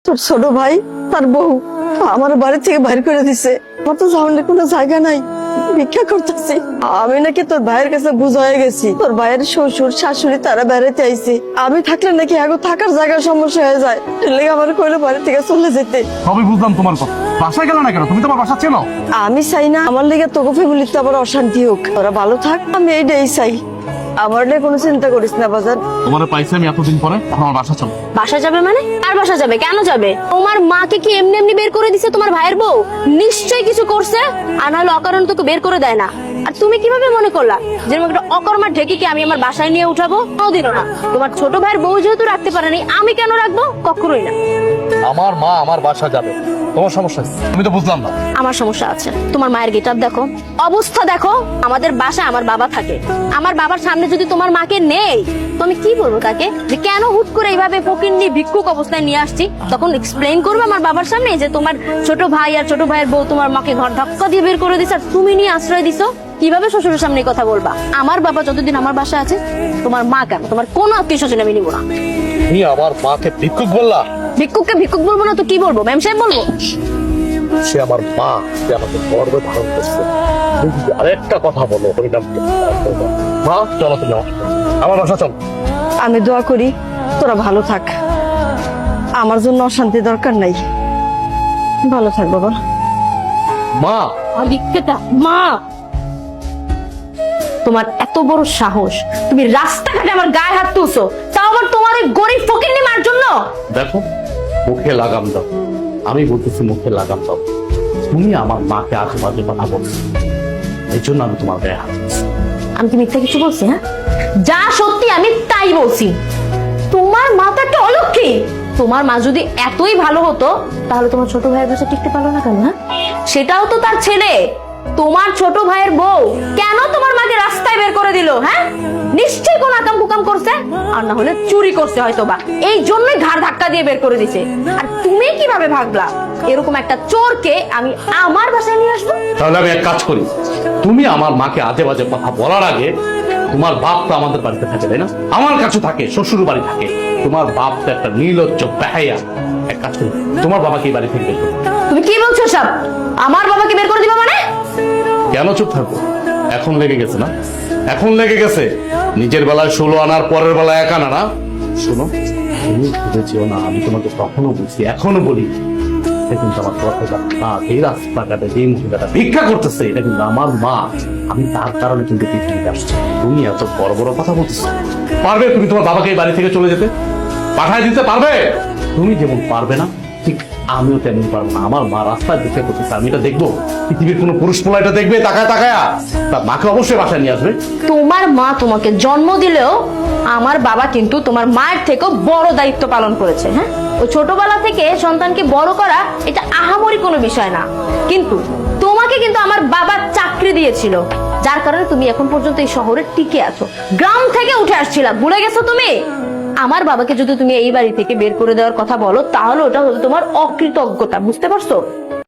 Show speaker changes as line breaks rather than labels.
তোর ছোট ভাই তার বউ আমার বাড়ি থেকে বাইর করে দিছে। আমার তো সামনে কোনো জায়গা নাই, ভিক্ষা করতেছি। আমি নাকি তোর ভাইয়ের কাছে বুঝ হয়ে গেছি, তোর ভাইয়ের শ্বশুর শাশুড়ি তারা বেড়াতে আইছে। আমি থাকলে নাকি আগে থাকার জায়গার সমস্যা হয়ে যায়, লেগে আমার কইলো বাড়ি থেকে চলে যেতে।
সবই বুঝলাম তোমার কথা, বাসায় গেল না কেন? তুমি তোমার বাসা চেনো?
আমি চাই না আমার লেগে তোকে ফ্যামিলিতে আবার অশান্তি হোক, ওরা ভালো থাক, আমি এইটাই চাই। আমার নিয়ে কোনো চিন্তা করিস না বাজার।
তোমার পাইছি আমি এতদিন পরে, এখন আমার বাসা চলো।
বাসা যাবে মানে? আর বাসা যাবে কেন যাবে? তোমার মাকে কি এমনি এমনি বের করে দিছে তোমার ভাইয়ের বউ? নিশ্চয়ই কিছু করছে, আর নাহলে অকারণ তোকে বের করে দেয় না। আর তুমি কিভাবে মনে করলা যে একটা অকর্মা ঢেকিকে আমি আমার বাসায় নিয়ে উঠাবো? কোনোদিনও না। তোমার ছোট ভাইয়ের বউ যেহেতু রাখতে পারেনি, আমি কেন রাখবো? কখনোই না।
আমার মা আমার বাসা যাবে, তোমার সমস্যা কি? আমি তো বুঝলাম না।
আমার সমস্যা আছে। তোমার মায়ের গেটআপ দেখো, অবস্থা দেখো। আমাদের বাসায় আমার বাবা থাকে, আমার বাবার সামনে যদি তোমার মাকে নেই তো আমি কি বলবো তাকে যে কেন হুট করে এইভাবে ফকিন্নি ভিক্ষুক অবস্থায় নিয়ে আসছি? তখন এক্সপ্লেইন করবো আমার বাবার সামনে যে তোমার ছোট ভাই আর ছোট ভাইয়ের বউ তোমার মাকে ঘর ধাক্কা দিয়ে বের করে দিছে আর তুমি নিয়ে আশ্রয় দিছো। কিভাবে শ্বশুরের সামনে কথা বলবা? আমার বাবা যতদিন আমার বাসায় আছে, তোমার মা কেন, তোমার কোনো আত্মীয় স্বজন আমি নিবো না।
তুমি আমার মাকে ভিক্ষুক বললা?
ভিক্ষুককে ভিক্ষুক বলবো না তো কি বলবো? ম্যাম সাহেব বলবো?
সে আমার মা, সে আমাকে গর্বে ধারণ করছে। তুমি যদি আরেকটা কথা বলো হরিনাম মা, চলো তুমি আমার বাসা চলো।
আমি দোয়া করি তোরা ভালো থাক, আমার জন্য অশান্তি দরকার নাই। ভালো থাক বাবা।
মা
ভিক্ষাটা মা, তোমার এত বড় সাহস, তুমি রাস্তাঘাটে আমার গায়ে হাত তুলছো, তাও আবার তোমার ওই গরিব ফকিন্নি মার জন্য।
দেখো, মুখে লাগাম দাও। আমি বলতেছি মুখে লাগাম দাও। তুমি আমার মাকে আশেপাশে কথা বলছো, এই জন্য আমি তোমার গায়ে হাত দিচ্ছি।
আমি কি মিথ্যা কিছু বলছি? হ্যাঁ, যা সত্যি আমি তাই বলছি। তোমার মা তো একটা অলক্ষী। তোমার মা যদি এতই ভালো হতো তাহলে তোমার ছোট ভাইয়ের কাছে টিকতে পারলো না কেন? হ্যাঁ, সেটাও তো তার ছেলে। তোমার ছোট ভাইয়ের বউ কেন তোমার মাকে রাস্তায় বের করে দিল? হ্যাঁ, নিশ্চয়ই কোন আকাম কুকাম করছে, আর না হলে চুরি করছে হয়তো বা, এই জন্যই ঘাড় ধাক্কা দিয়ে বের করে দিছে। আর তুমি কিভাবে ভাবলা এরকম একটা চোরকে আমি আমার বাসায় নিয়ে আসবো?
তাহলে আমি এক কাজ করি, তুমি আমার মাকে আজে বাজে কথা বলার আগে, তোমার বাপ তো আমাদের বাড়িতে থাকে তাই না? আমার কাছে থাকে, শ্বশুর বাড়ি থাকে। তোমার বাপ তো একটা নির্লজ্জ বেহায়া। এক কাজ করি, তোমার বাবাকে এই বাড়ি থেকে বের করো।
তুমি কি বলছো সব? আমার বাবাকে বের করে দিবা মানে?
কেন চুপ থাকবো? এখন লেগে গেছে না? এখন লেগে গেছে। নিজের বেলায় 16 আনার, পরের বেলায় 1 আনা না। শোনো, তুমি ভেবেছিও না আমি তোমাকে তখনো বলছি, এখনো বলি, এটা কিন্তু আমার কথা না। এই রাস্তাঘাটে যে মহিলাটা ভিক্ষা করতেছে, এটা কিন্তু আমার মা। আমি তার কারণে কিন্তু পৃথিবীতে আসছি। তুমি এত বড় বড় কথা বলতেছো। পারবে তুমি তোমার বাবাকে এই বাড়ি থেকে চলে যেতে? পাঠায় দিতে পারবে? তুমি যেমন পারবে না, ঠিক আমিও তেমন পারবো না। আমার মা রাস্তায় ভিক্ষা করতেছে, আমি এটা দেখবো? পৃথিবীর কোনো পুরুষ পোলা এটা দেখবে তাকায় তাকায়া? তার মাকে অবশ্যই বাসায় নিয়ে আসবে।
তোমার মা তোমাকে জন্ম দিলেও আমার বাবা কিন্তু তোমার মায়ের থেকেও বড় দায়িত্ব পালন করেছে। হ্যাঁ, ওই ছোটবেলা থেকে সন্তানকে বড় করা এটা আহামরি কোনো বিষয় না, কিন্তু তোমাকে কিন্তু আমার বাবা চাকরি দিয়েছিল, যার কারণে তুমি এখন পর্যন্ত এই শহরে টিকে আছো। গ্রাম থেকে উঠে আসছিলা, ভুলে গেছো তুমি? আমার বাবাকে যদি তুমি এই বাড়ি থেকে বের করে দেওয়ার কথা বলো তাহলে ওটা হলো তোমার অকৃতজ্ঞতা, বুঝতে পারছো?